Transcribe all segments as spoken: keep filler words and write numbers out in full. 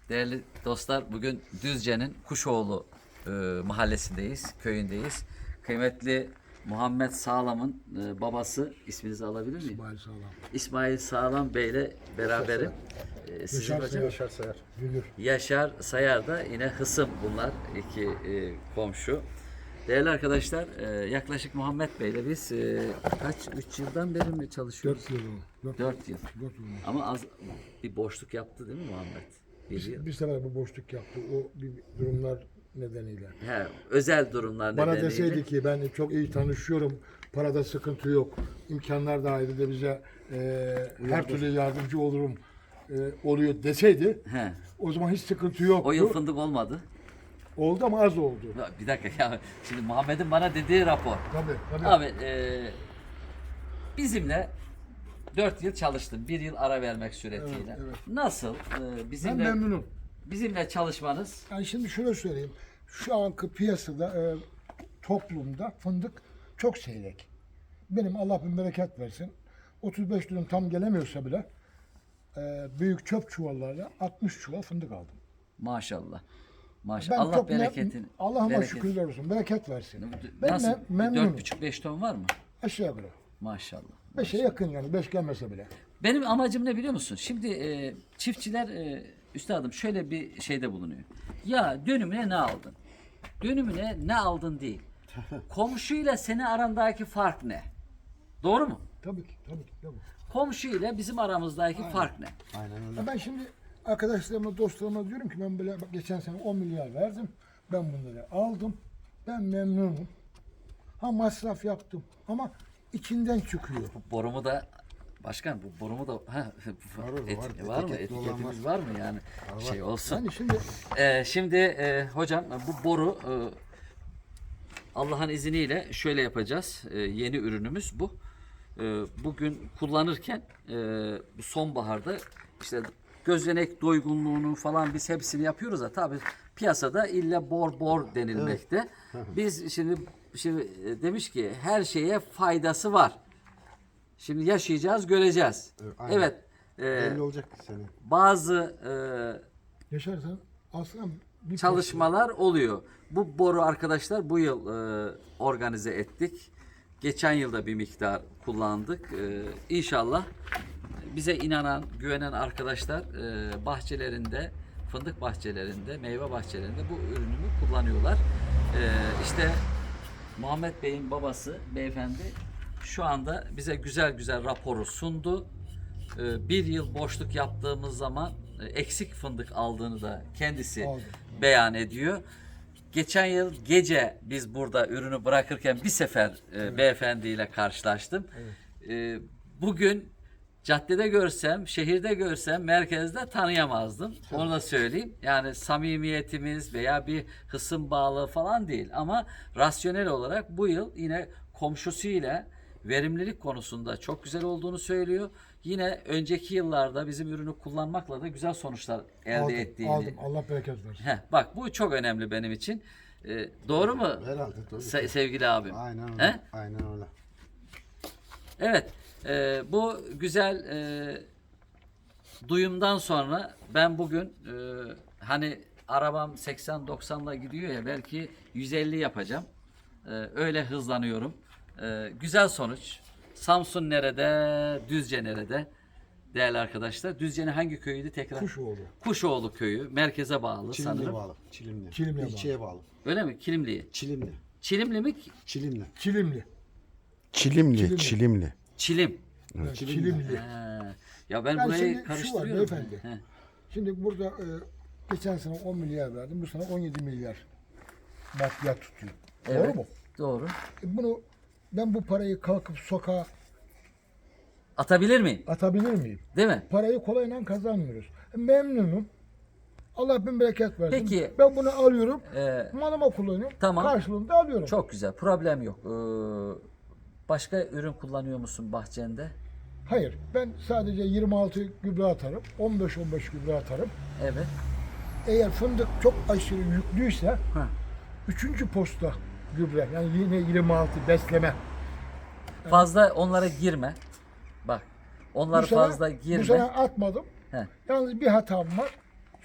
Değerli dostlar, bugün Düzce'nin Kuşoğlu e, mahallesindeyiz, köyündeyiz. Kıymetli Muhammed Sağlam'ın e, babası, isminizi alabilir miyim? İsmail Sağlam. İsmail Sağlam Bey ile beraberim. E, sizin Yaşar hocam Sayar. Yaşar Sayar. Gülür. Yaşar Sayar da yine hısım bunlar, iki e, komşu. Değerli arkadaşlar, e, yaklaşık Muhammed Bey ile biz e, kaç, üç yıldan beri mi çalışıyoruz? Dört yıl oldu. Dört, Dört yıl. Dört yıl oldu. Ama az bir boşluk yaptı değil mi Muhammed? Bir yıl. Bir, bir sefer bu boşluk yaptı. O bir durumlar nedeniyle. He, özel durumlar Bana nedeniyle. deseydi ki ben çok iyi tanışıyorum, parada sıkıntı yok, imkanlar dahilinde bize e, her türlü yardımcı olurum e, oluyor deseydi, He, o zaman hiç sıkıntı yoktu. o yıl fındık olmadı. Oldu ama az oldu. Ya, bir dakika ya. Şimdi Muhammed'in bana dediği rapor. Tabii, tabii. Abi e, bizimle dört yıl çalıştın. Bir yıl ara vermek suretiyle. Evet, evet. Nasıl? E, Ben bizimle memnunum. bizimle çalışmanız Yani şimdi şöyle söyleyeyim. Şu anki piyasada, e, toplumda fındık çok seyrek. Benim Allah bin bereket versin. otuz beş dönüm tam gelemiyorsa bile e, büyük çöp çuvallarla altmış çuval fındık aldım. maşallah. Maşallah. Ben Allah çok me- bereketini. Allah'ıma bereket- şükürler olsun. Bereket versin. Ben Nasıl? me- memnunum. dört buçuk beş ton var mı? Aşağı yukarı. Maşallah. Beşe yakın yani. Beş gelmese bile. Benim amacım ne biliyor musun? Şimdi e, çiftçiler e, üstadım şöyle bir şeyde bulunuyor. Ya dönümüne ne aldın? Dönümüne ne aldın değil. Komşuyla senin arandaki fark ne? Doğru mu? Tabii ki. Tabii ki. Tabii. Komşuyla bizim aramızdaki fark ne? Aynen öyle. Ya ben şimdi arkadaşlarıma, dostlarıma diyorum ki ben böyle bak geçen sene on milyar verdim. Ben bunları aldım. Ben memnunum. Ha masraf yaptım ama içinden çıkıyor. Borumu da başkan bu borumu da ha, Var orada, et- var. var mı? Etiketli olan Etiketimiz var mı yani? Şey olsun. Yani şimdi Ee, şimdi e, hocam bu boru e, Allah'ın izniyle şöyle yapacağız. E, yeni ürünümüz bu. E, bugün kullanırken e, bu sonbaharda işte gözlenek doygunluğunu falan biz hepsini yapıyoruz da tabii piyasada illa bor bor denilmekte. Biz şimdi şimdi e, demiş ki her şeye faydası var. Şimdi yaşayacağız, göreceğiz. Evet, aynen. Evet. e, Belli olacak seni. bazı e, yaşarsan aslında bir çalışmalar oluyor. Bu boru arkadaşlar bu yıl e, organize ettik. Geçen yılda bir miktar kullandık. E, İnşallah bize inanan, güvenen arkadaşlar e, bahçelerinde, fındık bahçelerinde, meyve bahçelerinde bu ürünümü kullanıyorlar. E, işte Muhammed Bey'in babası beyefendi şu anda bize güzel güzel raporu sundu. E, bir yıl boşluk yaptığımız zaman e, eksik fındık aldığını da kendisi Aldım. beyan ediyor. Geçen yıl gece biz burada ürünü bırakırken bir sefer e, beyefendiyle karşılaştım. E, bugün caddede görsem, şehirde görsem, merkezde tanıyamazdım. Onu da söyleyeyim. Yani samimiyetimiz veya bir hısım bağlı falan değil. Ama rasyonel olarak bu yıl yine komşusuyla verimlilik konusunda çok güzel olduğunu söylüyor. Yine önceki yıllarda bizim ürünü kullanmakla da güzel sonuçlar elde aldım, ettiğini. aldım. Allah bereket versin. Heh, bak bu çok önemli benim için. Ee, doğru mu? Herhalde tabii. Se- sevgili abim. Aynen öyle. He? Aynen öyle. Evet. e, bu güzel e, duyumdan sonra ben bugün e, hani arabam seksen doksanla gidiyor ya belki yüz elli yapacağım. E, öyle hızlanıyorum. E, güzel sonuç. Samsun nerede? Düzce nerede? Değerli arkadaşlar. Düzce'nin hangi köyüydü tekrar? Kuşoğlu. Kuşoğlu köyü. Merkeze bağlı Çilimli'ye sanırım. bağlı. Çilimli. Çilimli'ye bağlı. İlçeye bağlı. Öyle mi? Kilimli'ye. Çilimli. Çilimli mi? Çilimli. Çilimli. Çilimli, Çilimli. Çilimli. Çilim. Evet, Çilimli. Çilimli. Ha. Ya ben Yani burayı şimdi şu var karıştırıyorum. beyefendi. He. Şimdi burada e, geçen sene on milyar verdim. Bu sene on yedi milyar maddiyat tutuyor. Evet. Doğru mu? Doğru. E, bunu ben bu parayı kalkıp sokağa Atabilir miyim? atabilir miyim? Değil mi? Parayı kolayla kazanmıyoruz. E, memnunum. Allah bin bereket versin. Peki. Ben bunu alıyorum. Ee, Malıma kullanıyorum. Tamam. Karşılığında alıyorum. çok güzel. Problem yok. Ee, başka ürün kullanıyor musun bahçende? Hayır. Ben sadece yirmi altı gübre atarım. on beş on beş gübre atarım. Evet. Eğer fındık çok aşırı yüklüyse Ha. üçüncü posta gübre yani yine yirmi altı besleme. Fazla onlara girme. Bak. Onlar Bu sene- fazla Bu girme. sene atmadım. He. Yalnız bir hatam var.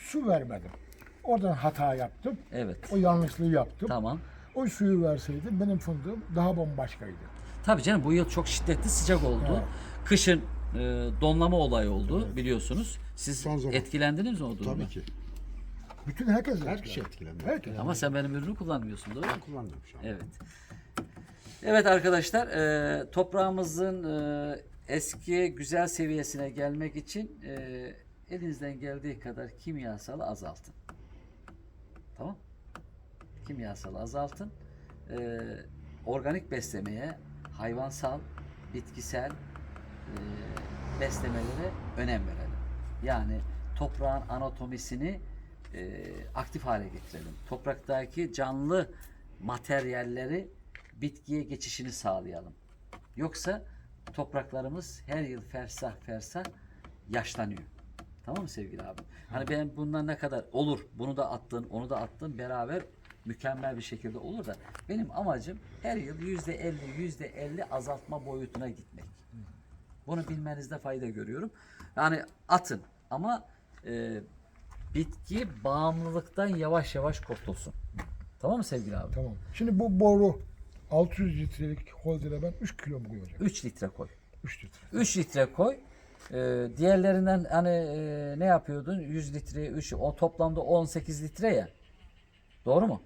su vermedim. Oradan hata yaptım. Evet. O yanlışlığı yaptım. Tamam. O suyu verseydim benim fındığım daha bambaşkaydı. Tabii canım, bu yıl çok şiddetli sıcak oldu. Evet. Kışın e, donlama olayı oldu biliyorsunuz. Siz Son zaman. etkilendiniz mi o durumda? Tabii ki. Bütün herkes Her etkilendi. kişi etkilendi. Herkes. Ama sen benim ürünü kullanmıyorsun, doğru mu? Ben kullandım şu an. Evet. Evet arkadaşlar, e, toprağımızın e, eski güzel seviyesine gelmek için e, elinizden geldiği kadar kimyasalı azaltın. Tamam? Kimyasalı azaltın. E, organik beslemeye, hayvansal, bitkisel e, beslemelere önem verelim. Yani toprağın anatomisini e, aktif hale getirelim. Topraktaki canlı materyalleri bitkiye geçişini sağlayalım. Yoksa topraklarımız her yıl fersah fersah yaşlanıyor. Tamam mı sevgili abi? Hani ben bundan ne kadar olur, bunu da attın, onu da attın, beraber mükemmel bir şekilde olur da benim amacım her yıl yüzde elli, yüzde elli azaltma boyutuna gitmek. Bunu bilmenizde fayda görüyorum. Yani atın ama e, bitki bağımlılıktan yavaş yavaş kurtulsun. Tamam mı sevgili abi? Tamam. Şimdi bu boru altı yüz litrelik holdere ben üç kilo mu koyacağım? üç litre koy. üç litre. üç litre koy. Ee, diğerlerinden hani e, ne yapıyordun? yüz litre, üç, o toplamda on sekiz litre ya. Doğru mu?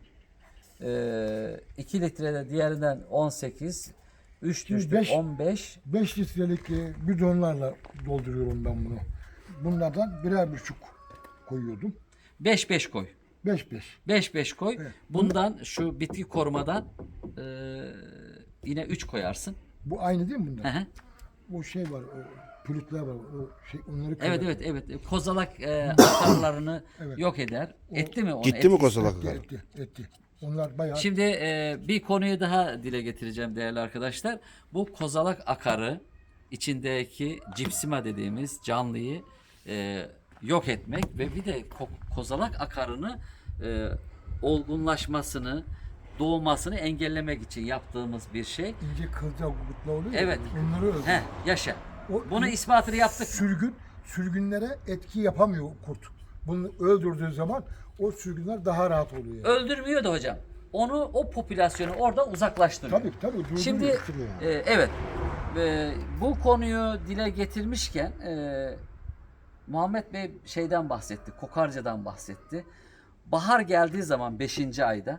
Ee, iki litre de diğerinden on sekiz, üç Şimdi düştü beş- on beş. beş litrelik e, bidonlarla dolduruyorum ben bunu. Bunlardan birer buçuk koyuyordum. beş beş koy. beş beş. beş beş koy. Evet. Bundan şu bitki korumadan e, yine üç koyarsın. Bu aynı değil mi Hı bunlar? hı. O şey var, o pürütler var, o şey onları Evet kırıyor. evet evet. Kozalak e, akarlarını Evet. yok eder. Etti mi onu? Gitti mi Etti. kozalak Etti, akar? etti, etti. Onlar bayağı Şimdi e, bir konuyu daha dile getireceğim değerli arkadaşlar. Bu kozalak akarı içindeki cipsima dediğimiz canlıyı e, yok etmek ve bir de ko- kozalak akarını e, olgunlaşmasını, doğmasını engellemek için yaptığımız bir şey. ince kılcal gutla oluyor ya, Evet. onları öldürüyor. Heh, yaşa. O- Bunu ispatını yaptık. Sürgün, sürgünlere etki yapamıyor kurt. Bunu öldürdüğü zaman o sürgünler daha rahat oluyor. Yani. Öldürmüyor da hocam. Onu, o popülasyonu orada uzaklaştırıyor. Tabii tabii. duydum Şimdi ya. e, evet e, bu konuyu dile getirmişken e, Muhammed Bey şeyden bahsetti, kokarcadan bahsetti. Bahar geldiği zaman beşinci ayda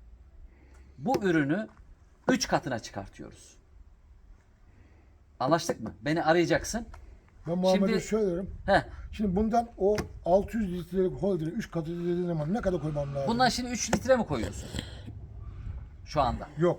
bu ürünü üç katına çıkartıyoruz. Anlaştık mı? Beni arayacaksın. Ben Muhammed'e Şimdi- söylüyorum. Heh, Şimdi bundan o altı yüz litrelik holdere üç katı dediğin zaman ne kadar koymam lazım? bundan şimdi üç litre mi koyuyorsun? Şu anda. Yok.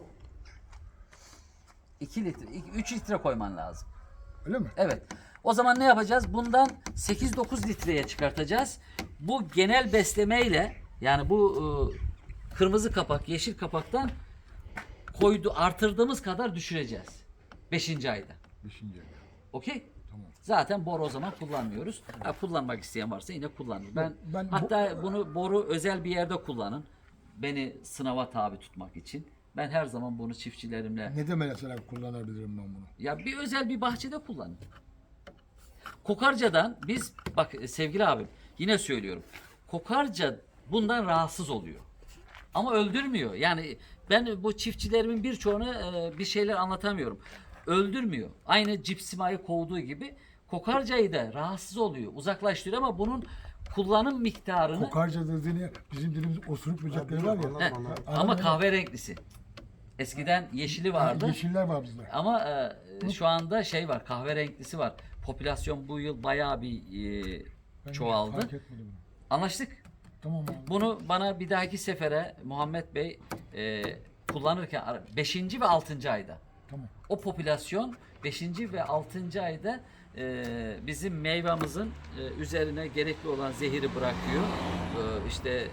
iki litre, üç litre koyman lazım. Öyle mi? Evet. O zaman ne yapacağız? Bundan sekiz dokuz litreye çıkartacağız. Bu genel beslemeyle yani bu e, kırmızı kapak, yeşil kapaktan koydu artırdığımız kadar düşüreceğiz. beşinci ayda. Beşinci ay. Okey? Tamam. Zaten boru o zaman kullanmıyoruz. Ha, kullanmak isteyen varsa yine kullanır. Ben, ben bu- hatta bunu boru özel bir yerde kullanın. Beni sınava tabi tutmak için. Ben her zaman bunu çiftçilerimle Ne de mesela kullanabilirim ben bunu? ya bir özel bir bahçede kullanın. Kokarcadan biz bak sevgili abim yine söylüyorum. Kokarca bundan rahatsız oluyor. Ama öldürmüyor. Yani ben bu çiftçilerimin birçoğuna e, bir şeyler anlatamıyorum. Öldürmüyor. Aynı cipsimayı kovduğu gibi kokarcayı da rahatsız oluyor. Uzaklaştırıyor ama bunun kullanım miktarını Kokarca dediğini bizim dilimiz osuruk böcekleri var ya. Anladım, Heh, anladım. ama Anladın mı? kahverenglisi. Eskiden yeşili vardı. Yeşiller var bizde. Ama e, şu anda şey var, kahverenglisi var. Popülasyon bu yıl bayağı bir e, Ben hiç çoğaldı. fark etmedim bunu. Anlaştık. Tamam abi. Bunu bana bir dahaki sefere Muhammed Bey e, kullanırken beşinci ve altıncı ayda. Tamam. O popülasyon beşinci ve altıncı ayda e, bizim meyvamızın e, üzerine gerekli olan zehiri bırakıyor. E, işte e,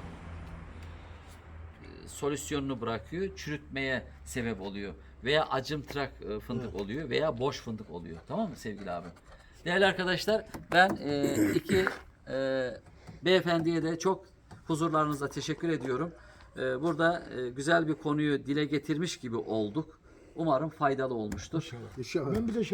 solüsyonunu bırakıyor. Çürütmeye sebep oluyor. Veya acımtırak e, fındık oluyor veya boş fındık oluyor. Tamam mı sevgili abi? Değerli arkadaşlar ben e, iki e, beyefendiye de çok huzurlarınızda teşekkür ediyorum. E, burada e, güzel bir konuyu dile getirmiş gibi olduk. Umarım faydalı olmuştur. İnşallah. Ben bir de şey